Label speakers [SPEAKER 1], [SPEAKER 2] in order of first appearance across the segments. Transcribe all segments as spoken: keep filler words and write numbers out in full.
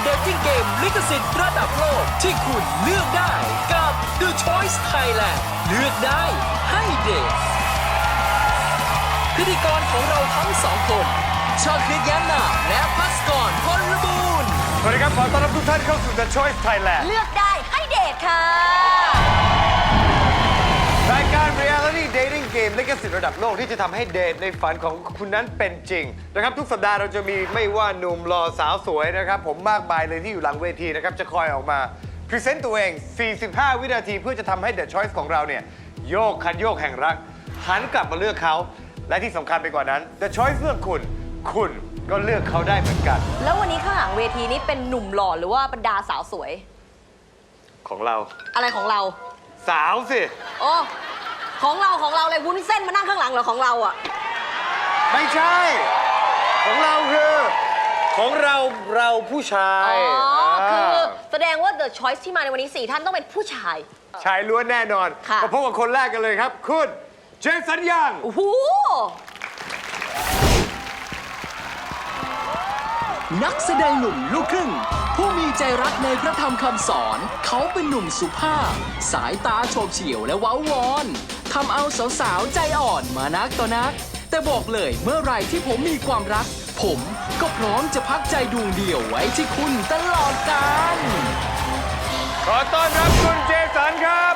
[SPEAKER 1] Dating Game ลิขสิทธิ์ระดับโลกที่คุณเลือกได้กับ The Choice Thailand เลือกได้ให้เดทพิธีกรของเราทั้งสองคนชาคริตแย้มนามและพัสกรพลบูรณ์
[SPEAKER 2] สวัสดีครับขอต้อนรับทุกท่านเข้าสู่ The Choice Thailand
[SPEAKER 3] เลือกได้ให้เดทค่ะ
[SPEAKER 2] รายการ Reality Dating Game ลิขสิทธิ์ระดับโลกที่จะทำให้เดทในฝันของคุณนั้นเป็นจริงนะครับทุกสัปดาห์เราจะมีไม่ว่าหนุ่มหล่อสาวสวยนะครับผมมากมายเลยที่อยู่หลังเวทีนะครับจะคอยออกมาพรีเซนต์ตัวเองสี่สิบห้าวินาทีเพื่อจะทำให้ The Choice ของเราเนี่ยโยกคันโยกแห่งรักหันกลับมาเลือกเขาและที่สำคัญไปกว่านั้น The Choice เลือกคุณคุณก็เลือกเขาได้เหมือนกัน
[SPEAKER 3] แล้ววันนี้ข้างหลังเวทีนี้เป็นหนุ่มหล่อหรือว่าบรรดาสาวสวย
[SPEAKER 2] ของเรา
[SPEAKER 3] อะไรของเรา
[SPEAKER 2] สาวสิ
[SPEAKER 3] โอ้ของเราของเราเลยวุ้นเส้นมานั่งข้างหลังเหรอของเราอ่ะ
[SPEAKER 2] ไม่ใช่ของเราคือของเราเราผู้ชาย
[SPEAKER 3] อ๋อคือแสดงว่า The Choice ที่มาในวันนี้สี่ท่านต้องเป็นผู้ชาย
[SPEAKER 2] ชายล้วนแน่นอนมาพบกับคนแรกกันเลยครับคุณเจสันยัง
[SPEAKER 3] โอ้โห
[SPEAKER 1] นักแสดงหนุ่มลูกครึ่งผู้มีใจรักในพระธรรมคำสอนเขาเป็นหนุ่มสุภาพสายตาโฉบเฉี่ยวและว้าวอนทำเอาสาวๆใจอ่อนมานักต่อนักแต่บอกเลยเมื่อไหร่ที่ผมมีความรักผมก็พร้อมจะพักใจดวงเดียวไว้ที่คุณตลอดกาล
[SPEAKER 2] ขอต้อนรับคุณเจสันครับ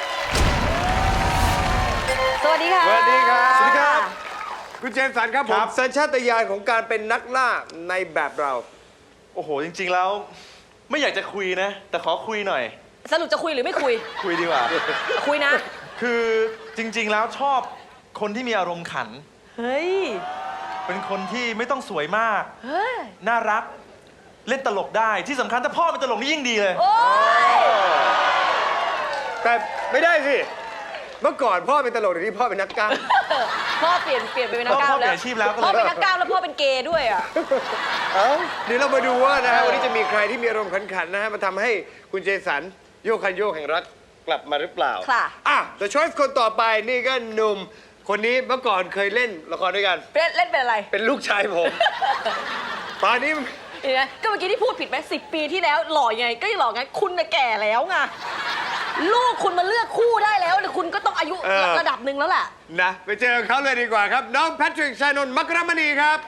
[SPEAKER 3] สวัสดีค่ะ
[SPEAKER 2] สวัสดีครับสวัสดีครับคุณเจสันครับผมสัญชาตญาณของการเป็นนักล่าในแบบเรา
[SPEAKER 4] โอ้โหจริงๆแล้วไม่อยากจะคุยนะแต่ขอคุยหน่อย
[SPEAKER 3] สรุปจะคุยหรือไม่คุย
[SPEAKER 4] คุยดีกว่า
[SPEAKER 3] คุยนะ
[SPEAKER 4] คือจริงๆแล้วชอบคนที่มีอารมณ์ขัน
[SPEAKER 3] เฮ้ย
[SPEAKER 4] เป็นคนที่ไม่ต้องสวยมากเฮ้ยน่ารักเล่นตลกได้ที่สำคัญถ้าพ่อเป็นตลกนี่ยิ่งดีเลย
[SPEAKER 3] โอ้ย
[SPEAKER 2] แต่ไม่ได้สิเมื่อก่อนพ่อเป็นตลกเดี๋ยวนี้พ่อเป็นนักกล้าม
[SPEAKER 3] พ่อเปลี่ยนเปลี่ยนไปเป็นนักกล้ามแล้วพ่อเป็นนักกล้ามแล้วพ่อเป็นเกย์ด้วยอ่ะ
[SPEAKER 2] เอ้าเดี๋ยวเรามาดูว่านะฮะวันนี้จะมีใครที่มีอารมณ์ขันๆนะฮะมาทำให้คุณเจสันโยกคันโยกแห่งรักกลับมาหรือเปล่า
[SPEAKER 3] ค่ะ
[SPEAKER 2] อ่ะ The Choice คนต่อไปนี่ก็หนุ่มคนนี้เมื่อก่อนเคยเล่นละครด้วยกัน
[SPEAKER 3] เล่นเล่นเป็นอะไร
[SPEAKER 2] เป็นลูกชายผมตอนนี้
[SPEAKER 3] เนี่ยก็เมื่อกี้ที่พูดผิดไหมสิบปีที่แล้วหล่อยังไงก็ยังหล่อไงคุณน่ะแก่แล้วไงลูกคุณมาเลือกคู่ได้แล้วแต่คุณก็ต้องอายุระดับหนึ่งแล้วแหละ
[SPEAKER 2] นะไปเจอเขาเลยดีกว่าครับน้องแพทริก ชานนท์ มักรมณีครับ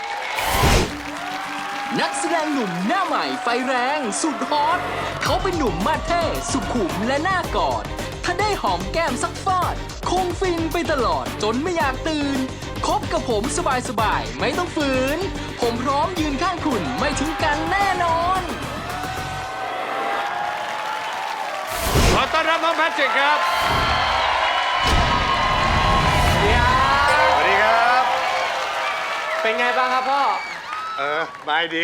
[SPEAKER 1] นักแสดงหนุ่มหน้าใหม่ไฟแรงสุดฮอตเขาเป็นหนุ่มมาเท่สุขุมและน่ากอดถ้าได้หอมแก้มสักฟอดคงฟินไปตลอดจนไม่อยากตื่นคบกับผมสบายๆไม่ต้องฝืนผมพร้อมยืนข้างคุณไม่ทิ้งกันแน่นอน
[SPEAKER 2] ขอต้อนรับน้องแพทริกครับสวัสดีครับ
[SPEAKER 5] เป็นไงบ้างครับพ่อ
[SPEAKER 2] เออไม่ดี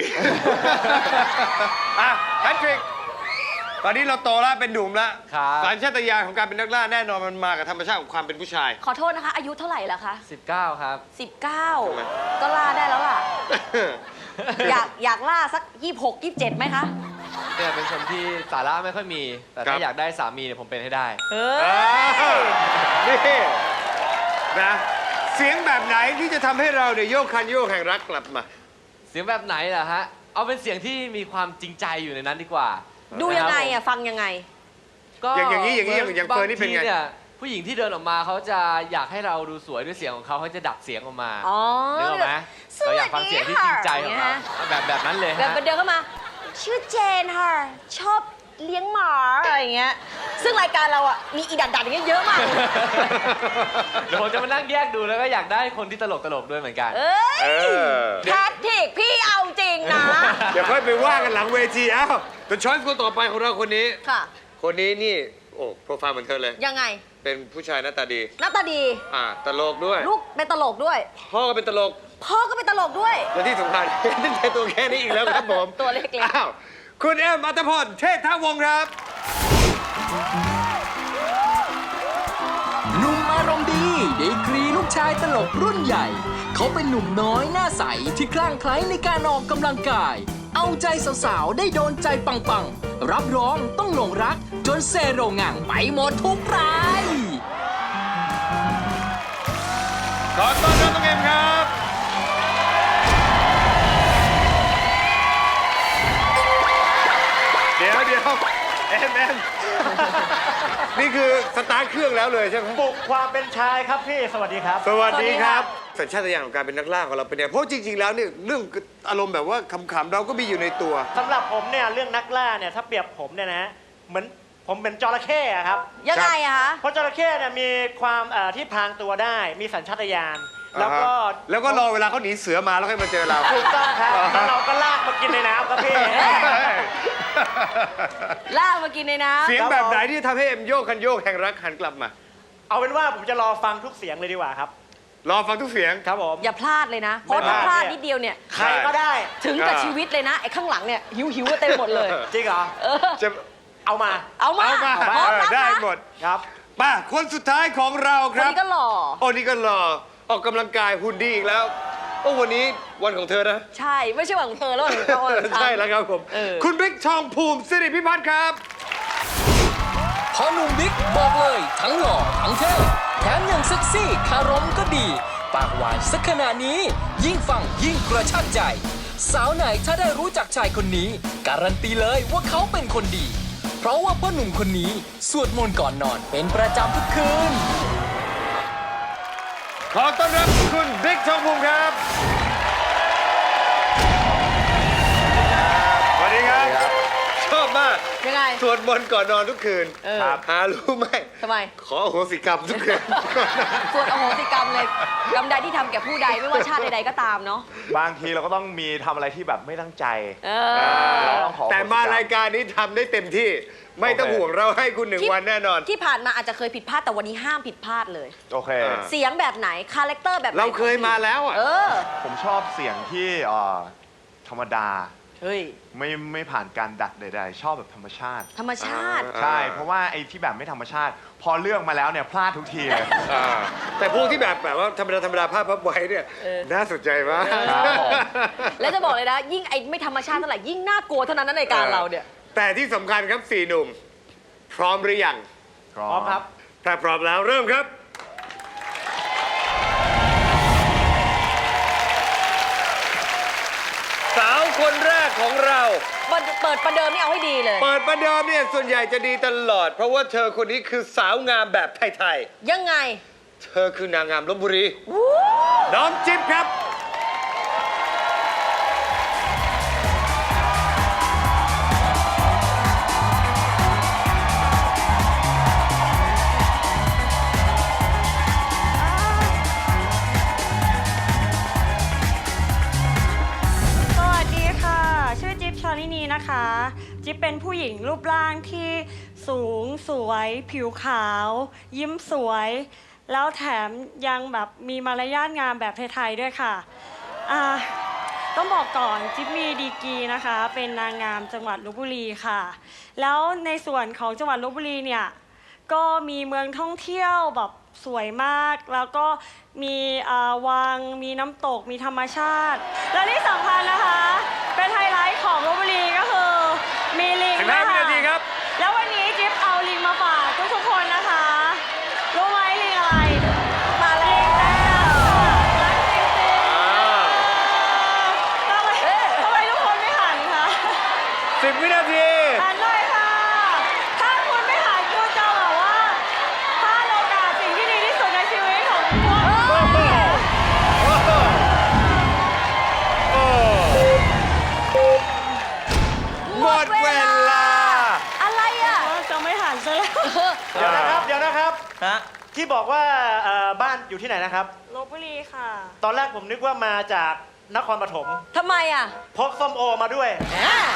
[SPEAKER 2] อ่ะแพทริกตอนนี้เราโตแล้วเป็นหนุ่มแล้วสัญชาตญาณของการเป็นนักล่าแน่นอนมันมากับธรรมชาติของความเป็นผู้ชาย
[SPEAKER 3] ขอโทษนะคะอายุเท่าไหร่แล้วคะ
[SPEAKER 5] สิบเก้าครับ
[SPEAKER 3] สิบเก้าก็ล่าได้แล้วล่ะอยากอยากล่าสักยี่สิบหก ยี่สิบเจ็ดไหมคะ
[SPEAKER 5] เนี่ยเป็นคนที่สาระไม่ค่อยมีแต่ถ้าอยากได้สามีเนี่ยผมเป็นให้ได้
[SPEAKER 3] เฮ้
[SPEAKER 2] ยนี่นะเสียงแบบไหนที่จะทำให้เราเนี่ยโยกคันโยกแห่งรักกลับมา
[SPEAKER 5] เสียงแบบไหนล่ะฮะเอาเป็นเสียงที่มีความจริงใจอยู่ในนั้นดีกว่า
[SPEAKER 3] ดูยังไงอ่ะฟังยังไง
[SPEAKER 2] ก็อย่างนี้อย่างนี้อย่างเฟิร์นนี่เป็นไง
[SPEAKER 5] เนี่ยผู้หญิงที่เดินออกมาเขาจะอยากให้เราดูสวยด้วยเสียงของเขาเขาจะดักเสียงออกมา
[SPEAKER 3] นึก
[SPEAKER 5] ออกไหมเราอยากฟังเสียงที่จริงใจของเขาแบบแบบนั้นเลยฮะ
[SPEAKER 3] แบบเดินเข้ามาชื่อเจนค่ะชอบเลี้ยงหมาอะไรอย่างเงี้ยซึ่งรายการเราอ่ะมีอีดัดดัดอย่างเงี้ยเยอะมาก
[SPEAKER 5] เดี๋ยวผมจะมานั่งแยกดูแล้วก็อยากได้คนที่ตลกตลกด้วยเหมือนกัน
[SPEAKER 3] เอ้ยแพทริกพี่เอาจริงนะ
[SPEAKER 2] เดี๋ยวค่อยไปว่ากันหลังเวทีอ้าวเป็นช้อยส์คนต่อไปของเราคนนี้
[SPEAKER 3] ค่ะ
[SPEAKER 2] คนนี้นี่โอ้โปรไฟล์เหมือนเธอเลย
[SPEAKER 3] ยังไง
[SPEAKER 2] เป็นผู้ชายหน้าตาดี
[SPEAKER 3] หน้าตาดี
[SPEAKER 2] อ่าตลกด้วย
[SPEAKER 3] ลูกเป็นตลกด้วย
[SPEAKER 2] พ่อก็เป็นตลก
[SPEAKER 3] พ่อก็เป็นตลกด้วย
[SPEAKER 2] และที่สำคัญนี่แค่ตัวแค่นี้อีกแล้วครับผม
[SPEAKER 3] ตัวเล็กๆ
[SPEAKER 2] อ้าวคุณเอ็มอัตพลเชษฐวงศ์ครับ
[SPEAKER 1] หนุ่มอารมณ์ดีดีกรีลูกชายตลกรุ่นใหญ่เขาเป็นหนุ่มน้อยหน้าใสที่คลั่งไคล้ในการออกกำลังกายเอาใจสาวๆได้โดนใจปังๆรับรองต้องหลงรักจนเซโรงงังไปหมดทุกราย
[SPEAKER 2] ขอต้อนรับน้องเอ็มครับเอ็มเอ็มนี่คือสตาร์ทเครื่องแล้วเลยใช่ไหม
[SPEAKER 6] ปลุกความเป็นชายครับพี่ สวัสดีครับ
[SPEAKER 2] สวัสดีครับสัญชาตญาณของการเป็นนักล่าของเราเป็นยังไงเพราะจริงๆแล้วเนี่ยเรื่องอารมณ์แบบว่าขำๆเราก็มีอยู่ในตัว
[SPEAKER 6] สำหรับผมเนี่ยเรื่องนักล่าเนี่ยถ้าเปรียบผมเนี่ยนะเหมือนผมเป็นจระเข้อะครับ
[SPEAKER 3] ยังไงอะคะ
[SPEAKER 6] เพราะจระเข้เนี่ยมีความเอ่อที่พรางตัวได้มีสัญชาตญาณแล้วก็
[SPEAKER 2] แล้วก็รอเวลาเขาหนีเสือมาแล้วค่อยมาเจอเรา
[SPEAKER 6] ถูกต้องครับแล้วเราก็ลากมากินในน้ำครับพี่
[SPEAKER 3] ลากมากินในน้ำ
[SPEAKER 2] เสียงแบบไหนที่ทำให้เอ็มโยกคันโยกแห่งรักหันกลับมา
[SPEAKER 6] เอาเป็นว่าผมจะรอฟังทุกเสียงเลยดีกว่าครับ
[SPEAKER 2] รอฟังทุกเสียง
[SPEAKER 6] ครับผม
[SPEAKER 3] อย่าพลาดเลยนะ เพราะถ้าพลาดนิดเดียวเนี่ย
[SPEAKER 6] ใครก็ได้
[SPEAKER 3] ถึงกับชีวิตเลยนะ ไอ้ข้างหลังเนี่ย หิวหิวๆเต็มหมดเลย
[SPEAKER 6] จริงเหรอ
[SPEAKER 3] เออ
[SPEAKER 2] จะ
[SPEAKER 6] เอามา
[SPEAKER 3] เอามา
[SPEAKER 2] เอามา
[SPEAKER 3] พร้อม
[SPEAKER 2] เออ
[SPEAKER 3] รับ
[SPEAKER 2] ได้
[SPEAKER 3] นะ
[SPEAKER 2] หมด
[SPEAKER 6] ครับ
[SPEAKER 2] ป่ะคนสุดท้ายของเรา
[SPEAKER 3] ค
[SPEAKER 2] คน รับ
[SPEAKER 3] นี้ก็หล่อ
[SPEAKER 2] โอ้นี่ก็รอออกกำลังกายหุ่นดีอีกแล้วโอ้วันนี้วันของเธอนะ
[SPEAKER 3] ใช่ ไม่ใช่หวังเธอแล้วหวังเขา
[SPEAKER 2] ใช่แล้วครับผม
[SPEAKER 3] เออ
[SPEAKER 2] คุณบิ๊กทองภูมิสิริพิพัฒน์ครับ
[SPEAKER 1] พอหนุ่มบิ๊กบอกเลยทั้งหล่อทั้งเท่แถมยังเซ็กซี่คารมก็ดี ปากหวานสักขนาดนี้ ยิ่งฟังยิ่งกระชากใจ สาวไหนถ้าได้รู้จักชายคนนี้ การันตีเลยว่าเขาเป็นคนดี เพราะว่าพ่อหนุ่มคนนี้สวดมนต์ก่อนนอนเป็นประจำทุกคืน
[SPEAKER 2] ขอต้อนรับคุณบิ๊กทองภูมิครับสวัสดีครับ ชอบมาก
[SPEAKER 3] ยังไง
[SPEAKER 2] สวดมนต์ก่อนนอนทุกคืน
[SPEAKER 3] เออ
[SPEAKER 2] ครับหารู้ไหม
[SPEAKER 3] ทำไม
[SPEAKER 2] ขออโหสิกรรมทุกคืน
[SPEAKER 3] ส่วนอโหสิกรรมเลยกรรมใดที่ทำแก่ผู้ใดไม่ว่าชาติใดๆก็ตามเนาะ
[SPEAKER 7] บางทีเราก็ต้องมีทำอะไรที่แบบไม่ตั้งใจ
[SPEAKER 3] เอ
[SPEAKER 7] เรา
[SPEAKER 3] อ
[SPEAKER 7] ต้องขอ
[SPEAKER 2] แต่มารายการนี้ทำได้เต็มที่ ไม่ต้องห่วงเราให้คุณหนึ่ง
[SPEAKER 3] ที่
[SPEAKER 2] วันแน่นอน
[SPEAKER 3] ที่ผ่านมาอาจจะเคยผิดพลาดแต่วันนี้ห้ามผิดพลาดเลย
[SPEAKER 7] โอเค
[SPEAKER 2] อ่า
[SPEAKER 3] เสียงแบบไหน คาแรคเตอร์แบบไหน
[SPEAKER 2] เราเคยมาแล้วอ่ะ
[SPEAKER 3] เออ
[SPEAKER 7] ผมชอบเสียงที่เอ่อธรรมดา
[SPEAKER 3] เฮ้ย
[SPEAKER 7] ไม่ไม่ผ่านการดัดใดๆ ชอบแบบธรรมชาติ
[SPEAKER 3] ธรรมชาติ
[SPEAKER 2] อ่า
[SPEAKER 7] ใช่ เพราะว่าไอ้ที่แบบไม่ธรรมชาติ พอเลือกมาแล้วเนี่ยพลาดทุกทีเลย
[SPEAKER 2] อ่าแต่พวกที่แบบแบบว่าธรรมดาธรรมดาภาพพับไว้เนี่ย
[SPEAKER 3] เออ
[SPEAKER 2] น่าสนใจมาก
[SPEAKER 7] ครับผม
[SPEAKER 3] แล้วจะบอกเลยนะ ยิ่งไอ้ไม่ธรรมชาติเท่าไหร่ยิ่งน่ากลัวเท่านั้นนะในการเราเนี่ย
[SPEAKER 2] แต่ที่สำคัญครับสี่หนุ่ม พร้อมหรือยัง
[SPEAKER 7] พร้อ
[SPEAKER 6] พร้อม
[SPEAKER 7] ม
[SPEAKER 6] ครับ
[SPEAKER 2] ถ้าพร้อมแล้วเริ่มครับ สาวคนแรกของเรา
[SPEAKER 3] เปิดเปิดประเดิมนี่เอาให้ดีเลย
[SPEAKER 2] เปิดประเดิมเนี่ยส่วนใหญ่จะดีตลอด เพราะว่าเธอคนนี้คือสาวงามแบบไทย
[SPEAKER 3] ยังไง
[SPEAKER 2] ๆ เธอคือนางงามลพบุรี น้องจิ๊บครับ
[SPEAKER 8] สวัสดีค่ะ ชื่อจิ๊บชาลินีนะคะ จิ๊บเป็นผู้หญิงรูปร่างที่สูงสวย ผิวขาว ยิ้มสวย แล้วแถมยังแบบมีมารยาทงามแบบไทยๆด้วยค่ะอ่าต้องบอกก่อนจิ๊บมีดีกรีนะคะ เป็นนางงามจังหวัดลพบุรีค่ะ แล้วในส่วนของจังหวัดลพบุรีเนี่ยก็มีเมืองท่องเที่ยวแบบสวยมาก แล้วก็มีอ่าวังมีน้ำตกมีธรรมชาติ และที่สำคัญนะคะ เป็นไฮไลท์ของลพบุรีก็คือมีลิง
[SPEAKER 2] สิบห้า
[SPEAKER 8] นะ
[SPEAKER 2] วิ
[SPEAKER 8] คะ
[SPEAKER 2] นาทีครับ
[SPEAKER 8] แล้ววันนี้จิ๊บเอาลิงมาฝากทุกๆคนนะคะ รู้ไหมลิงอะไร
[SPEAKER 3] มาแล้ว
[SPEAKER 8] รักจริงๆทำไมทำไมทุกคนไม่หันคะ
[SPEAKER 2] สิบวินาที
[SPEAKER 8] หันหน่อยค่ะ ถ้าคุณไม่หันคุณจะแบบว่าพลาดโอกาสสิ่งที่ดีที่สุดในชีวิตของพวกเรา
[SPEAKER 2] หมดเวลา
[SPEAKER 3] อะไรอ่ะ
[SPEAKER 8] จะไม่หันซะแล้ว
[SPEAKER 6] เดี๋ยวนะครับ เดี๋ยวนะครับ
[SPEAKER 4] ฮะ
[SPEAKER 6] ที่บอกว่าเอ่อบ้านอยู่ที่ไหนนะครับ
[SPEAKER 8] ลพบุรีค่ะ
[SPEAKER 6] ตอนแรกผมนึกว่ามาจากนครปฐม
[SPEAKER 3] ทำไมอ่ะ
[SPEAKER 6] พกส้มโอมาด้วย
[SPEAKER 3] อ่า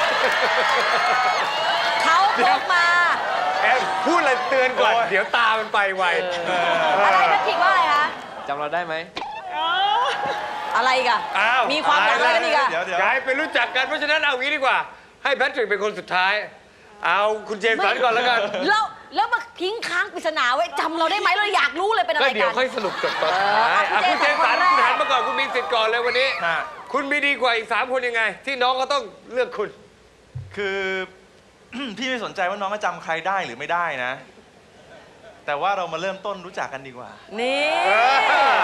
[SPEAKER 3] เขาพกมา
[SPEAKER 2] แอมพูดอะไรเตือนก่อน เดี๋ยวตามันไปไว
[SPEAKER 3] อะไรนะผิดว่าอะไรคะ
[SPEAKER 5] จำเราได้ไหม
[SPEAKER 3] อะไรอีกัน
[SPEAKER 2] อ้าว
[SPEAKER 3] มีความดังอะไรกันอีกอะ
[SPEAKER 4] เดี๋ยวเดี๋ยว
[SPEAKER 2] กลายเป็นรู้จักกัน เพราะฉะนั้นเอางี้ดีกว่า ให้แพทริกเป็นคนสุดท้าย เอาคุณเจมส์สันก่อนแล้วกัน
[SPEAKER 3] แล้วแล้วมาทิ้งค้างปริศนาไว้จำเราได้ไหมเราอยากรู้เลยเป็นอะไร
[SPEAKER 2] ก็
[SPEAKER 3] กัน
[SPEAKER 2] เดี๋ยวค่อยสรุปจบตอนท้าย
[SPEAKER 3] เออ
[SPEAKER 2] อ่ะ
[SPEAKER 3] คุ
[SPEAKER 2] คุณ
[SPEAKER 3] ณ
[SPEAKER 2] เจ
[SPEAKER 3] เจ
[SPEAKER 2] ม
[SPEAKER 3] มส์
[SPEAKER 2] ส์สัน
[SPEAKER 3] คนแรก
[SPEAKER 2] คุณหันมาก่อนคุณมีสิทธิ์ก่อนเลยวันนี้
[SPEAKER 4] ฮะ
[SPEAKER 2] คุณมีดีกว่าอีกสามคนยังไง ที่น้องก็ต้องเลือกคุณ
[SPEAKER 4] คือ พี่ไม่สนใจว่าน้องจะจำใครได้หรือไม่ได้นะ แต่ว่าเรามาเริ่มต้นรู้จักกันดีกว่า
[SPEAKER 3] นี่
[SPEAKER 2] เออ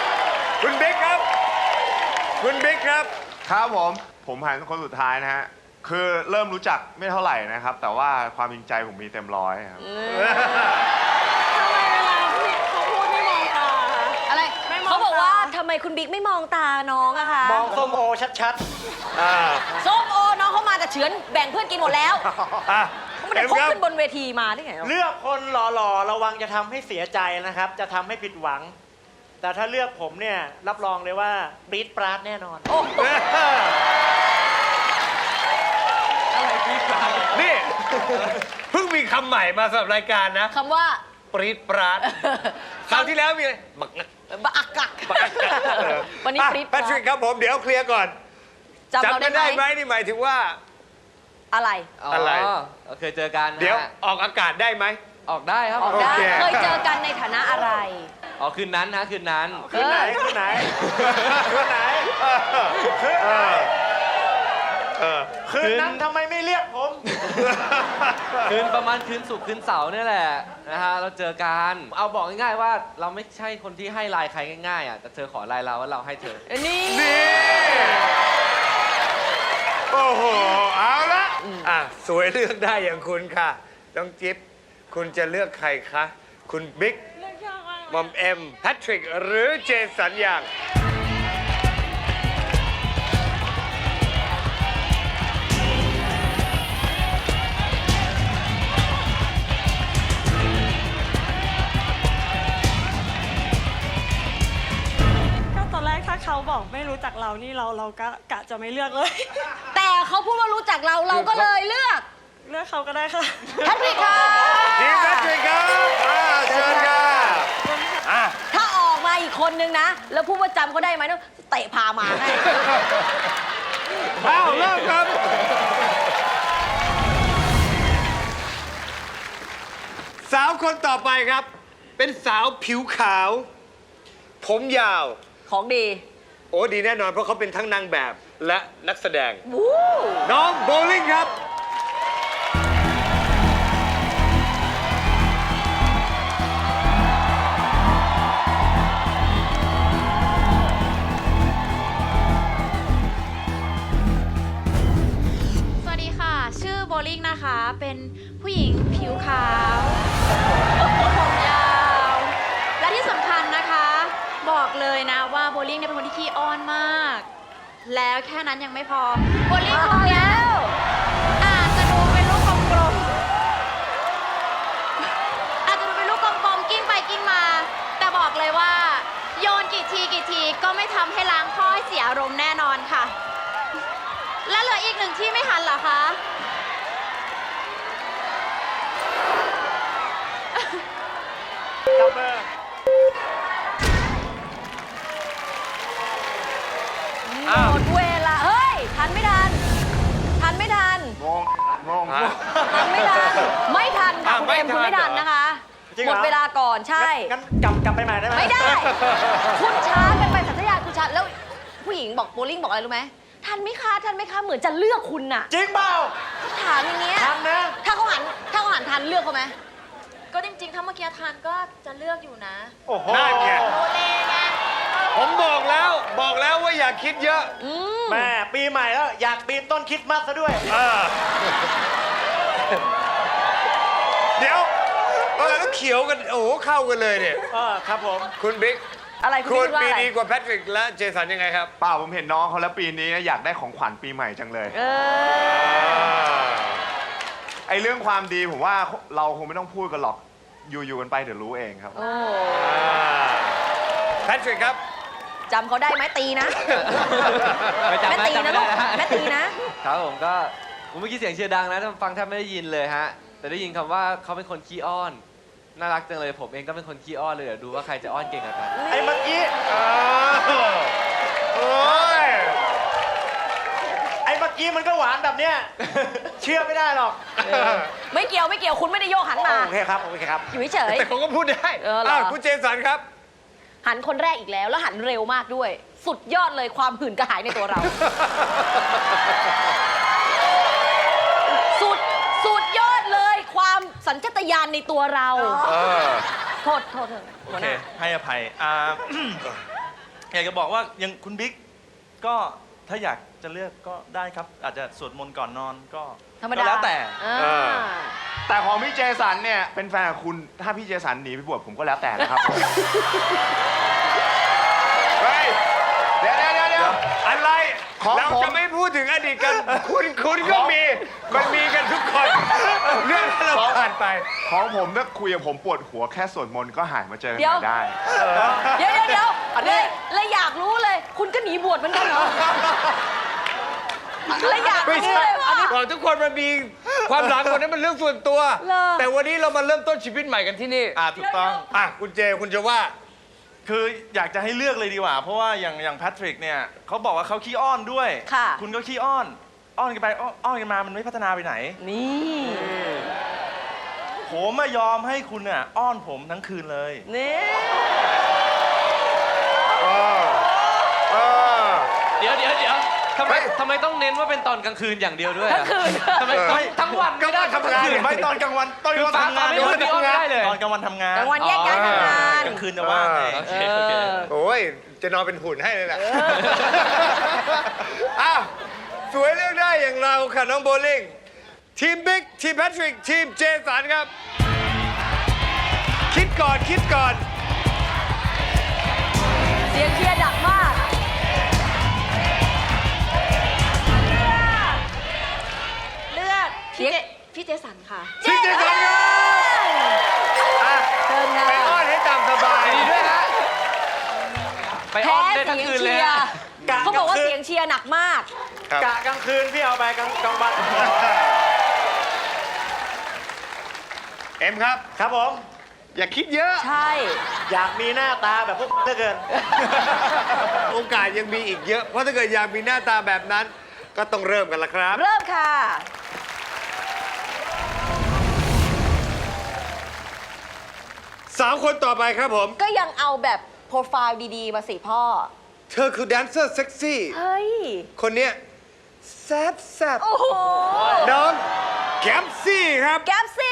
[SPEAKER 2] คุณบิ๊กครับ คุณบิ๊กครับ
[SPEAKER 7] ครับผม ผมหันคนสุดท้ายนะฮะคือเริ่มรู้จักไม่เท่าไหร่นะครับ แต่ว่าความจริงใจผมมีเต็มร้อยครับ
[SPEAKER 8] ทำไมเวลาพี่เขาพูดไม่มองตาคะ
[SPEAKER 3] อะไร
[SPEAKER 8] ไม่มอง
[SPEAKER 3] เขาบอกว่า
[SPEAKER 8] ตา
[SPEAKER 3] ทำไมคุณบิ๊กไม่มองตาน้องอะคะ
[SPEAKER 6] มองส้มโอชัด
[SPEAKER 2] อ่า
[SPEAKER 3] ส้มโอน้องเขามาแต่เฉือนแบ่งเพื่อนกินหมดแล้ว
[SPEAKER 2] อ่ะ
[SPEAKER 3] เขาไม่ได้พกขึ้นบนเวทีมาได้ไง
[SPEAKER 6] ๆ เลือกคนหล่อๆ ระวังจะทำให้เสียใจนะครับ จะทำให้ผิดหวัง แต่ถ้าเลือกผมเนี่ย รับรองเลยว่าปรี๊ดปราดแน่นอน
[SPEAKER 3] โอ้โห
[SPEAKER 2] นี่ เพิ่งมีคำใหม่มาสำหรับรายการนะ
[SPEAKER 3] คำว่า
[SPEAKER 2] ปรีดปราดคราวที่แล้วมีอะไรบักงัก
[SPEAKER 3] บักอักกัก
[SPEAKER 2] บักงักเออ
[SPEAKER 3] วันนี้
[SPEAKER 2] อ่ะ
[SPEAKER 3] ปรี๊ดป
[SPEAKER 2] แพ
[SPEAKER 3] ราด
[SPEAKER 2] ทริกครับผมเดี๋ยวเคลียร์ก่อน
[SPEAKER 3] จำเรา
[SPEAKER 2] กั
[SPEAKER 3] ได้
[SPEAKER 2] น
[SPEAKER 3] ไหม
[SPEAKER 2] ได้ไหมนี่หมายถึงว่า
[SPEAKER 3] อะไร
[SPEAKER 2] อะไร
[SPEAKER 5] เราเคยเจอกันนะ
[SPEAKER 2] เดี๋ยว
[SPEAKER 5] ฮะ
[SPEAKER 2] ออกอากาศได้ไหม
[SPEAKER 5] ออกได้ครับ
[SPEAKER 3] ออกได้
[SPEAKER 2] โอเค
[SPEAKER 3] เคยเจอกันในฐานะอะไร
[SPEAKER 5] อ๋อคืนนั้นนะคืนนั้น
[SPEAKER 6] คืนไหนคืนไหนคืนไหนคืนไหน
[SPEAKER 2] เออ
[SPEAKER 6] คืนนั้นทำไมไม่เรียกผม
[SPEAKER 5] คืนประมาณคืนศุกร์คืนเสาร์เนี่ยแหละนะฮะเราเจอกันเอาบอกง่ายๆว่าเราไม่ใช่คนที่ให้ไลน์ใครง่ายๆอ่ะแต่เธอขอไลน์เราว่าเราให้เธอ
[SPEAKER 3] นี่
[SPEAKER 2] นี่ โอ้โห เอาละอ่ะ สวยเลือกได้อย่างคุณค่ะต้องจิ๊บคุณจะเลือกใครคะ คุณบิ๊ก
[SPEAKER 8] เลือกยากมาก
[SPEAKER 2] มอมเอ็มแพทริก หรือเจสันอย่าง
[SPEAKER 8] ก็ตอนแรกถ้าเขาบอกไม่รู้จักเรานี่เราเราก็กะจะไม่เลือกเลย
[SPEAKER 3] แต่เขาพูดว่ารู้จักเราเราก็เลยเลือก
[SPEAKER 8] เลือกเขาก็ได้ค่ะ
[SPEAKER 3] แพทริกค่ะ
[SPEAKER 2] ทีมแพทริกครับอ่าเชิญค่ะอ่ะ
[SPEAKER 3] ถ้าออกมาอีกคนนึงนะ แล้วพูดว่าจำเขาได้ไหมต้องเตะพามาให้
[SPEAKER 2] อ้าวเริ่มครับ สาวคนต่อไปครับ เป็นสาวผิวขาว ผมยาว
[SPEAKER 3] ของดี
[SPEAKER 2] โอ้ดีแน่นอนเพราะเขาเป็นทั้งนางแบบและนักแสดง
[SPEAKER 3] วู้
[SPEAKER 2] น้องโบลิ่งครับ
[SPEAKER 9] สวัสดีค่ะ ชื่อโบลิ่งนะคะ เป็นผู้หญิงผิวขาวผมยาว และที่สำคัญนะคะ บอกเลยนะว่าโบลิ่งเนี่ยเป็นคนที่ขี้อ้อนมาก แล้วแค่นั้นยังไม่พอ โบลิ่งของแล้วอาจจะดูเป็นลูกกลมๆอาจจะดูเป็นลูกกลมๆกิ้งไปกิ้งมา แต่บอกเลยว่า โยนกี่ทีกี่ทีก็ไม่ทำให้ล้างข้อให้เสียอารมณ์แน่นอนค่ะ และเหลืออีกหนึ่งที่ไม่ทันเหรอคะ
[SPEAKER 6] จับเบอร์
[SPEAKER 3] หมดเวลา เฮ้ย ทันไม่ทัน ทันไม่ทัน
[SPEAKER 7] งง งง
[SPEAKER 3] ทันไม่ทัน ไม่ทันค่ะ
[SPEAKER 2] อ่ะ
[SPEAKER 3] คุณเอ็ม
[SPEAKER 2] ไม่ทัน
[SPEAKER 3] คุณไม่ทัน
[SPEAKER 2] เหรอ
[SPEAKER 3] นะคะ
[SPEAKER 6] จริง
[SPEAKER 3] ห
[SPEAKER 6] เห
[SPEAKER 3] ม
[SPEAKER 6] รอ
[SPEAKER 3] ดเวลาก่อนใช่
[SPEAKER 6] งั้นกลับกลับไปใหม่ได้ไหม
[SPEAKER 3] ไม่ได้ คุณช้ากันไปสัญชาตคุณช้าแล้วผู้หญิงบอกโบลิ่งบอกอะไรรู้ไหมทันไหมคะทันไหมคะเหมือนจะเลือกคุณน่ะ
[SPEAKER 6] จริงเปล่า
[SPEAKER 3] ถามอย่างเงี้ย
[SPEAKER 6] ทันนะ
[SPEAKER 3] ถ้าเขาหันถ้าเขาหันทันเลือกเขาไหม
[SPEAKER 9] ก็จริงๆ ถ้าเมื่อกี้ทานก็จะเลือกอยู่นะ
[SPEAKER 6] โอ้โห
[SPEAKER 2] นั่นไง
[SPEAKER 9] โอเลไง
[SPEAKER 2] ผมบอกแล้ว บอกแล้วว่าอย่าคิดเยอะ
[SPEAKER 3] อืม
[SPEAKER 6] แม่ปีใหม่แล้ว อยากปีนต้นคริดมาสซะด้วย
[SPEAKER 2] อ่าเดี๋ยวเออแล้วเขียวกัน โอ้โหเข้ากันเลยเนี่ย
[SPEAKER 6] เออครับผม
[SPEAKER 2] คุณบิ๊ก
[SPEAKER 3] อะไรคุณ
[SPEAKER 2] คุณ
[SPEAKER 3] คิดว่า
[SPEAKER 2] ปี
[SPEAKER 3] อะไร
[SPEAKER 2] ดีกว่าแพทริกและเจสันยังไงครับ
[SPEAKER 7] เปล่าผมเห็นน้องเขาแล้วปีนี้อยากได้ของขวัญปีใหม่จังเลย
[SPEAKER 3] เออ
[SPEAKER 7] ไอ้เรื่องความดีผมว่าเราคงไม่ต้องพูดกันหรอก อยู่ๆกันไปเดี๋ยวรู้เองครับ
[SPEAKER 3] โอ้
[SPEAKER 2] แพทริกครับ
[SPEAKER 3] จำเขาได้ไหมตีนะ
[SPEAKER 5] ไม่จำ
[SPEAKER 3] แม่
[SPEAKER 5] นะ
[SPEAKER 3] ตี
[SPEAKER 5] จำ
[SPEAKER 3] นะ
[SPEAKER 5] ไม่
[SPEAKER 3] ลู
[SPEAKER 5] ได้
[SPEAKER 3] ก
[SPEAKER 5] นะ
[SPEAKER 3] แม่ตีนะ
[SPEAKER 5] ครับผมก็ผมเมื่อกี้เสียงเชียร์ดังนะฟังแทบไม่ได้ยินเลยฮะแต่ได้ยินคำว่าเขาเป็นคนขี้อ้อนน่ารักจังเลยผมเองก็เป็นคนขี้อ้อนเลยเดี๋ยวดูว่าใครจะอ้อนเก่งกว่ากัน
[SPEAKER 6] ไอ้เมื่อกี้
[SPEAKER 2] โอ้ย
[SPEAKER 6] ไอ้เมื่อกี้มันก็หวานแบบเนี้ย เชื่อไม่ได้หรอก
[SPEAKER 3] ไม่เกี่ยวไม่เกี่ยวคุณไม่ได้โยกหันมา
[SPEAKER 6] โอเคครับ โอเคครับ
[SPEAKER 3] อยู่เฉย
[SPEAKER 2] แต่เขาก็พูดได้
[SPEAKER 3] เออเหรอ
[SPEAKER 2] อ้าวคุณเจสันครับ
[SPEAKER 3] ๆหันคนแรกอีกแล้ว แล้วหันเร็วมากด้วย สุดยอดเลยความหื่นกระหายในตัวเรา สุดสุดยอดเลยความสัญชาตญาณในตัวเรา
[SPEAKER 2] เออ
[SPEAKER 3] โทษโทษเถอะ
[SPEAKER 4] โอ
[SPEAKER 3] หัวห
[SPEAKER 4] เค
[SPEAKER 3] น้า
[SPEAKER 4] ให้อภัยอ่า อยากจะบอกว่ายังคุณบิ๊กก็ถ้าอยากจะเลือกก็ได้ครับ อาจจะสวดมนต์ก่อนนอนก็
[SPEAKER 3] ธรรม
[SPEAKER 4] ก็
[SPEAKER 3] ดา
[SPEAKER 4] แล้วแต่
[SPEAKER 3] อ่า
[SPEAKER 2] เออ
[SPEAKER 7] แต่ของพี่เจสันเนี่ยเป็นแฟนกับคุณถ้าพี่เจสันหนีไปบวชผมก็แล้วแต่นะครับผมเฮ้ยเดี๋ยวเดี๋ยวเดี๋ยวเดี๋ยว
[SPEAKER 2] อะไร
[SPEAKER 7] ของ
[SPEAKER 2] เรา
[SPEAKER 7] ผม
[SPEAKER 2] จะไม่พูดถึงอดีตกัน คุณคุณก็มี มันมีกันทุกคน เรื่องที่เราผ่านไป
[SPEAKER 7] ของผมถ้าคุยกับผมปวดหัวแค่สวดมนต์ก็หายมาเจอกัน
[SPEAKER 3] เดี๋ยว
[SPEAKER 7] ใหม่ได้
[SPEAKER 3] เดี๋ยวเดี๋ยวเดี๋ยว
[SPEAKER 2] อันนี้
[SPEAKER 3] เลยเลยอยากรู้เลย คุณก็หนีบวชเหมือนกันเหรอเลยอยาก
[SPEAKER 2] ไม่
[SPEAKER 3] รู้
[SPEAKER 2] ใช่
[SPEAKER 3] เลยว่า
[SPEAKER 2] บอกทุกคนมันมีความหลังคนนั้นมันเรื่องส่วนตัว
[SPEAKER 3] เหรอ
[SPEAKER 2] แต่วันนี้เรามาเริ่มต้นชีวิตใหม่กันที่นี่
[SPEAKER 4] อ่าถูกต้อง
[SPEAKER 2] อ่ะคุณเจคุณจะว่า
[SPEAKER 4] คืออยากจะให้เลือกเลยดีกว่า เพราะว่าอย่างอย่างแพทริกเนี่ยเขาบอกว่าเขาขี้อ้อนด้วย
[SPEAKER 3] ค่ะ
[SPEAKER 4] คุณก็ขี้อ้อน อ้อนกันไปอ้อนอ้อนกันมามันไม่พัฒนาไปไหน
[SPEAKER 3] นี่
[SPEAKER 4] ผมไม่ยอมให้คุณน่ะอ้อนผมทั้งคืนเลย
[SPEAKER 3] นี่
[SPEAKER 5] เดี๋ยวเดี๋ยวเดี๋ยวทำไม
[SPEAKER 2] เฮ้ย
[SPEAKER 5] ทำไมต้องเน้นว่าเป็นตอนกลางคืนอย่างเดียวด้วยอะ
[SPEAKER 3] ทั้งคืน
[SPEAKER 5] ทำไมทั้งทั้งวันไม่ได้
[SPEAKER 2] ก็วันทำงาน
[SPEAKER 5] ทั้คื
[SPEAKER 4] ไม่ตอนกลางวันตอนกลางวัน
[SPEAKER 5] ฟ้า
[SPEAKER 4] ทำงาน
[SPEAKER 5] ฟ้าไม่รู้ที่อ้อนไม่ได้เลย
[SPEAKER 4] ตอนกลางวันทำงาน
[SPEAKER 3] กลางวันแยกย้ายทำงาน
[SPEAKER 4] กลางคืนจะว่างไง
[SPEAKER 5] โอเคโอเค
[SPEAKER 2] โอ้ย จะนอนเป็นหุ่นให้เลยแหละอ้าวสวยเลือกได้อย่างเราค่ะน้องโบลิ่ง ทีมบิ๊ก ทีมแพทริก ทีมเจสันครับ คิดก่อน คิดก่อน
[SPEAKER 3] เสียงเชียร์ดังมาก
[SPEAKER 9] เลือกพี่เจพี่เจสันค่ะ
[SPEAKER 2] ทีมเจสันครับอ่ะ
[SPEAKER 3] เชิญค่ะ
[SPEAKER 2] ไปอ้อนให้ตามสบาย
[SPEAKER 5] ดีด้วยฮะไปอ้
[SPEAKER 3] แพ้
[SPEAKER 5] อนได้
[SPEAKER 3] เสี
[SPEAKER 5] ทั้ง
[SPEAKER 3] ยง
[SPEAKER 5] คืนเลย
[SPEAKER 3] เชีย
[SPEAKER 5] ฮะ
[SPEAKER 3] ร์เขาบอกว่าเสียงเชียร์หนักมาก
[SPEAKER 2] ครับ
[SPEAKER 6] กะกลางคืนพี่เอาไปกลางกลางวัน
[SPEAKER 2] เอ็มครับ
[SPEAKER 6] ครับผม
[SPEAKER 2] อย่าคิดเยอะ
[SPEAKER 3] ใช่
[SPEAKER 6] อยากมีหน้าตาแบบพวกเหลือเกิน
[SPEAKER 2] โอกาสยังมีอีกเยอะ เพราะถ้าเกิดอยากมีหน้าตาแบบนั้น ก็ต้องเริ่มกันละครับ
[SPEAKER 3] เริ่มค่ะ
[SPEAKER 2] สามคนต่อไปครับผม
[SPEAKER 3] ก็ยังเอาแบบโปรไฟล์ดีๆ มาสิพ่อ
[SPEAKER 2] เธอคือแดนเซอร์เซ็กซี่
[SPEAKER 3] เฮ้ย
[SPEAKER 2] คนเนี้ยแซบแซบ
[SPEAKER 3] โอ้โห
[SPEAKER 2] น้องแกมซี่ครับ
[SPEAKER 3] แก๊ปซี่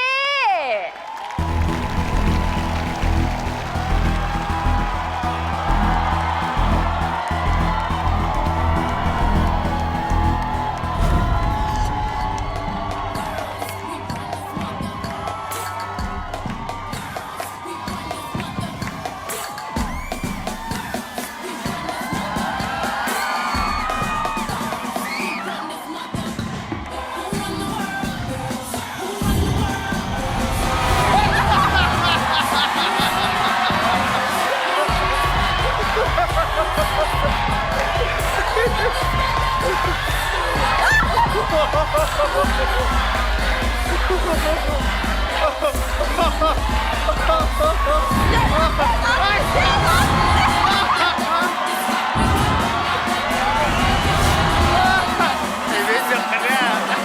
[SPEAKER 2] ชีวิตเดียวกันเนี่ย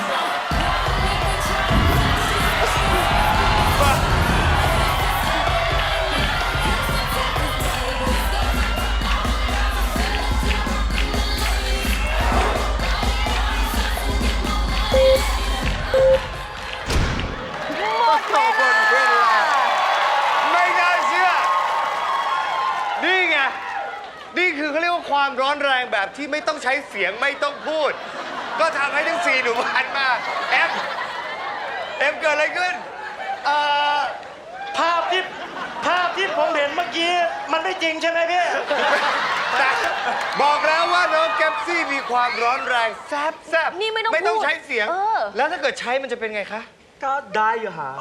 [SPEAKER 2] หมดเวลาไม่น่าเชื่อ นี่ไง นี่คือเขาเรียกว่าความร้อนแรงแบบที่ไม่ต้องใช้เสียงไม่ต้องพูด ก็ทำให้ทั้งสี่หนุ่มหันมาเอ็มเอ็มเกิดอะไรขึ้น
[SPEAKER 6] เอ่อ ภาพที่ภาพที่ผมเห็นเมื่อกี้ มันไม่จริงใช่ไหมพี่
[SPEAKER 2] แต่บอกแล้วว่าน้องแกปซี่มีความร้อนแรงแซบแซบ
[SPEAKER 3] นี่ไม่ต้อง
[SPEAKER 2] ไม่ต้อง
[SPEAKER 3] พูด
[SPEAKER 2] ใช้เสียง
[SPEAKER 3] เออ
[SPEAKER 2] แล้วถ้าเกิดใช้มันจะเป็นไงคะ
[SPEAKER 6] ก็ได้อยู่หา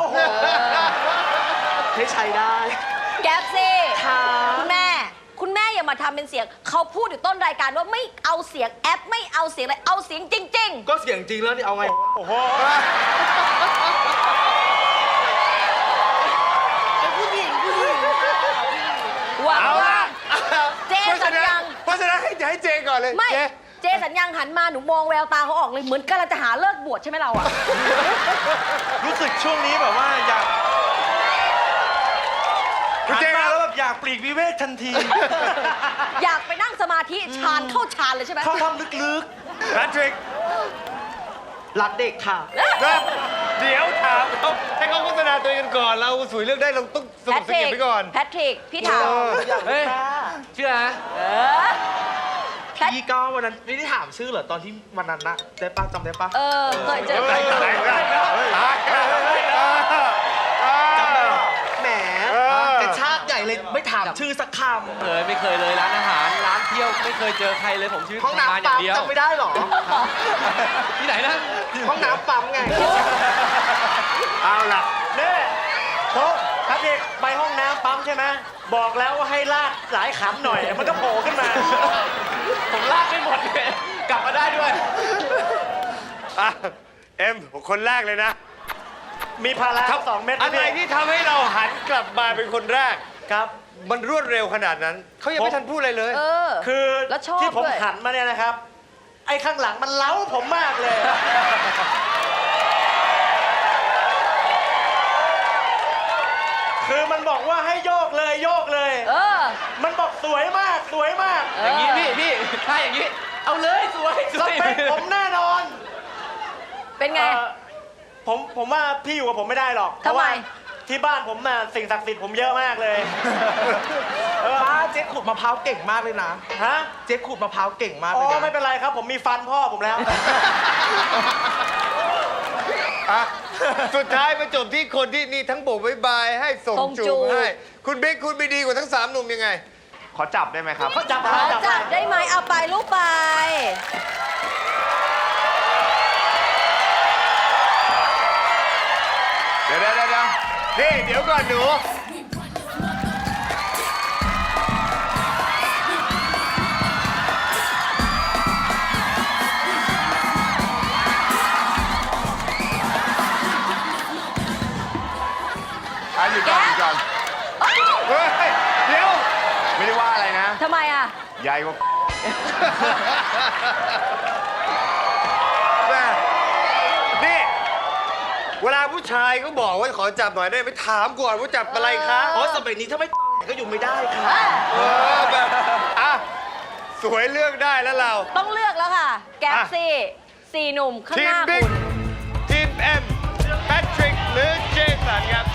[SPEAKER 6] ให้ใช้ได้
[SPEAKER 3] แก๊ปซี่
[SPEAKER 6] ค่ะ
[SPEAKER 3] คุณแม่ คุณแม่อย่ามาทำเป็นเสียง เขาพูดอยู่ต้นรายการว่าไม่เอาเสียงแอป ไม่เอาเสียงอะไร เอาเสียงจริง
[SPEAKER 6] ก็เสียงจริงแล้วนี่เอาไง โอ้โห
[SPEAKER 3] ๆหวัง
[SPEAKER 2] เอา
[SPEAKER 3] ว่า
[SPEAKER 2] ละ
[SPEAKER 3] เจสัญญัง
[SPEAKER 2] เพราะฉะนั้นให้ให้เจก่อนเลย
[SPEAKER 3] ไม่
[SPEAKER 2] เจ
[SPEAKER 3] เจสัญญังหันมาหนูมองแววตาเขาออกเลย เหมือนกำลังจะหาเลิกบวชใช่ไหมเราอะ
[SPEAKER 4] รู้สึกช่วงนี้แบบว่าอยาก
[SPEAKER 2] คุณ
[SPEAKER 4] หัน
[SPEAKER 2] เจค
[SPEAKER 4] มา
[SPEAKER 2] รับ
[SPEAKER 4] แล้วแบบอยากปลีกวิเวกทันที
[SPEAKER 3] อยากไปนั่งสมาธิฌานเข้าฌานเลยใช่ไหม
[SPEAKER 4] เข้าถ้ำลึก
[SPEAKER 2] แพทริก
[SPEAKER 6] รักเด็กค่ะ
[SPEAKER 2] นะเดี๋ยวถามเขาให้เขาโฆษณาตัวเองกันก่อน เราสวยเลือกได้เราต้องส
[SPEAKER 3] แพ
[SPEAKER 2] นุก
[SPEAKER 3] ท
[SPEAKER 2] ส
[SPEAKER 3] ริ
[SPEAKER 2] กิ
[SPEAKER 3] ก
[SPEAKER 2] ปไปก่อน
[SPEAKER 3] แพทริก พี่ถาม
[SPEAKER 2] เออ
[SPEAKER 5] เฮ้ย เชื่อนะ
[SPEAKER 3] เออ
[SPEAKER 2] พ
[SPEAKER 10] พี่ก็วันนั้นไม่ได้ถามชื่อเหรอตอนที่วันนั้นนะได้ปะจำได้ปะ
[SPEAKER 3] เออเคยเจอ
[SPEAKER 2] ไหนไหนไหนเออ
[SPEAKER 10] จำได้เหรอแหม
[SPEAKER 2] เออ
[SPEAKER 10] กระชากใหญ่เลยไม่ถามชื่อสักค
[SPEAKER 5] เลยไม่เคยเลยร้านอาหารร้านเที่ยวไม่เคยเจอใครเลยผมชีวิต
[SPEAKER 10] ำห้อง
[SPEAKER 5] ทำงาน
[SPEAKER 10] น้ำ
[SPEAKER 5] อย่า
[SPEAKER 10] ปั๊
[SPEAKER 5] ง
[SPEAKER 10] ม
[SPEAKER 5] เดียว
[SPEAKER 10] จำไม่ได้เหรอ
[SPEAKER 5] ที่ไหนนะ
[SPEAKER 10] ห้องน้ำปั๊มไง
[SPEAKER 2] เอาล่ะ
[SPEAKER 6] เนี่ยเขาครับเด็กไปห้องน้ำปั๊มใช่ไหมบอกแล้วว่าให้ลากหลายขำหน่อย มันก็โผล่ขึ้นมา
[SPEAKER 5] ผมลากไม่หมดเลยกลับมาได้ด้วย
[SPEAKER 2] อ่ะเอ็มคนแรกเลยนะ
[SPEAKER 6] มีพาราสองเม็ด
[SPEAKER 2] อะไรที่ทำให้เราหันกลับมาเป็นคนแรก
[SPEAKER 6] ครับ
[SPEAKER 2] มันรวดเร็วขนาดนั้น เขายังไม่ทันพูดอะไรเลย
[SPEAKER 3] เออ
[SPEAKER 6] คือ
[SPEAKER 3] แล้วชอบ
[SPEAKER 6] ที่ผม
[SPEAKER 3] ด้วย
[SPEAKER 6] หันมาเนี่ยนะครับ ไอ้ข้างหลังมันเล้าผมมากเลย คือมันบอกว่าให้โยกเลยโยกเลย
[SPEAKER 3] เออ
[SPEAKER 6] มันบอกสวยมากสวยมาก
[SPEAKER 5] อย่างนี้พี่พี่ถ้าอย่างนี้ เอาเลยสวยส
[SPEAKER 6] ส
[SPEAKER 5] วย
[SPEAKER 6] เปคผมแน่นอน
[SPEAKER 3] เป็นไง
[SPEAKER 6] เอ่อผมผมว่าพี่อยู่กับผมไม่ได้หรอกเพ
[SPEAKER 3] ทำ
[SPEAKER 6] ราะ
[SPEAKER 3] ไม
[SPEAKER 6] ว่าที่บ้านผมน่ะสิ่งศักดิ์สิทธิ์ผมเยอะมากเลย เออ
[SPEAKER 10] ป้าเจ๊ขูดมะพร้าวเก่งมากเลยนะ
[SPEAKER 6] ฮะ
[SPEAKER 10] เจ๊ขูดมะพร้าวเก่งมาก
[SPEAKER 6] อ๋
[SPEAKER 10] เลย
[SPEAKER 6] อ
[SPEAKER 10] นะ
[SPEAKER 6] ไม่เป็นไรครับ ผมมีฟันพ่อผมแล้ว
[SPEAKER 2] อ่ะ สุดท้ายมาจบที่คนที่นี่ทั้งโบกบายบายให้ส่ง
[SPEAKER 3] ส่งจู
[SPEAKER 2] จู
[SPEAKER 3] บบ
[SPEAKER 2] ให้ คุณบิ๊กคุณไปดีกว่าทั้งสามหนุ่มยังไง
[SPEAKER 7] ขอจับได้ไหมครับ
[SPEAKER 6] เขาจับ
[SPEAKER 3] ขอ
[SPEAKER 6] มาจับ
[SPEAKER 3] จั
[SPEAKER 6] มา
[SPEAKER 3] บได้ไหมเอาไปลูกไป
[SPEAKER 2] เดี๋ยวเดี๋ยวเดี๋ยวนี่เดี๋ยวก่อนหนู
[SPEAKER 7] อ่ะหยุดก่อนหยุดก่อน
[SPEAKER 2] เฮ้ย เดี๋ยว
[SPEAKER 7] ไม่ได้ว่าอะไรนะ
[SPEAKER 3] ทำไมอ่ะ
[SPEAKER 7] ใหญ่กว่า
[SPEAKER 2] แม่นี่ เวลาผู้ชายเขาบอกว่าขอจับหน่อยได้ไหมถามก่อนว่าจับอะไรคะ
[SPEAKER 10] โอ้สมัยนี้ถ้าไม่ก็อยู่ไม่ได้ค่ะ
[SPEAKER 2] เออแบบอ่ะ สวยเลือกได้แล้วเรา
[SPEAKER 3] ต้องเลือกแล้วค่ะ แก๊ป
[SPEAKER 2] อ่ะ
[SPEAKER 3] ซี่สี่หนุ่มข้าง
[SPEAKER 2] ที
[SPEAKER 3] ห
[SPEAKER 2] ม
[SPEAKER 3] น้า
[SPEAKER 2] บิ๊ก
[SPEAKER 3] คุณ
[SPEAKER 2] ทีมเอ็มแพทริกหรือเจสันครับ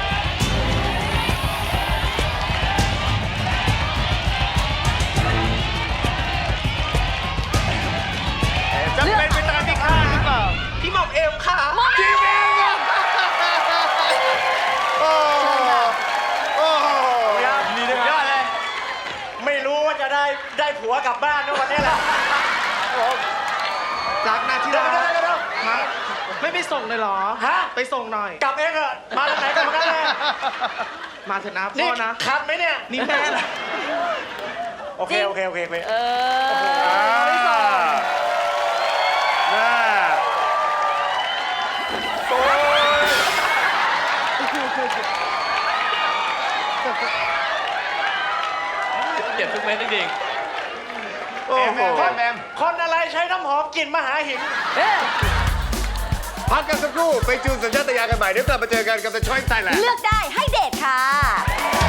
[SPEAKER 2] จะเป็นไปตามที่คาดหรือเปล่า
[SPEAKER 10] พี่หม่อมเอ็มค่ะ
[SPEAKER 2] ทีมเอ็มครับโอ้โหโอ้โห
[SPEAKER 6] ครับ
[SPEAKER 2] ดีนะครับยอดเลย
[SPEAKER 6] ไม่รู้ว่าจะได้ได้ผัวกลับบ้านนะวันนี้แหละ
[SPEAKER 10] รักนะที่
[SPEAKER 6] เดี๋ยว
[SPEAKER 10] รัก
[SPEAKER 6] เดี๋ยวเดี๋ยว
[SPEAKER 10] ฮะไม่ไปส่งเลยเหรอ
[SPEAKER 6] ฮะ
[SPEAKER 10] ไปส่งหน่อย
[SPEAKER 6] กลับเองเหรอะมาทางไหนกลับมากันเลย
[SPEAKER 10] มาเถอะนะ
[SPEAKER 6] นี่
[SPEAKER 10] พ่อนะ
[SPEAKER 6] คันไหมเนี่ย
[SPEAKER 10] นี่แม่นะ
[SPEAKER 6] โอเค โอเค โอเคโอเค
[SPEAKER 3] เออ
[SPEAKER 2] อ่า
[SPEAKER 3] ไม่ส่ง
[SPEAKER 2] น่าโอ้ย
[SPEAKER 5] เก็บทุกเม็ดจริง
[SPEAKER 2] โอ้โห
[SPEAKER 7] แอมแอม
[SPEAKER 6] คนอะไรใช้น้ำหอมกลิ่นมหาหิน
[SPEAKER 3] เอ๊ะ
[SPEAKER 2] พักกันสักครู่ ไปจูนสัญชาตญาณกันใหม่ เดี๋ยวกลับมาเจอกันกับ The Choice Thailand
[SPEAKER 3] เลือกได้ให้เดทค่ะ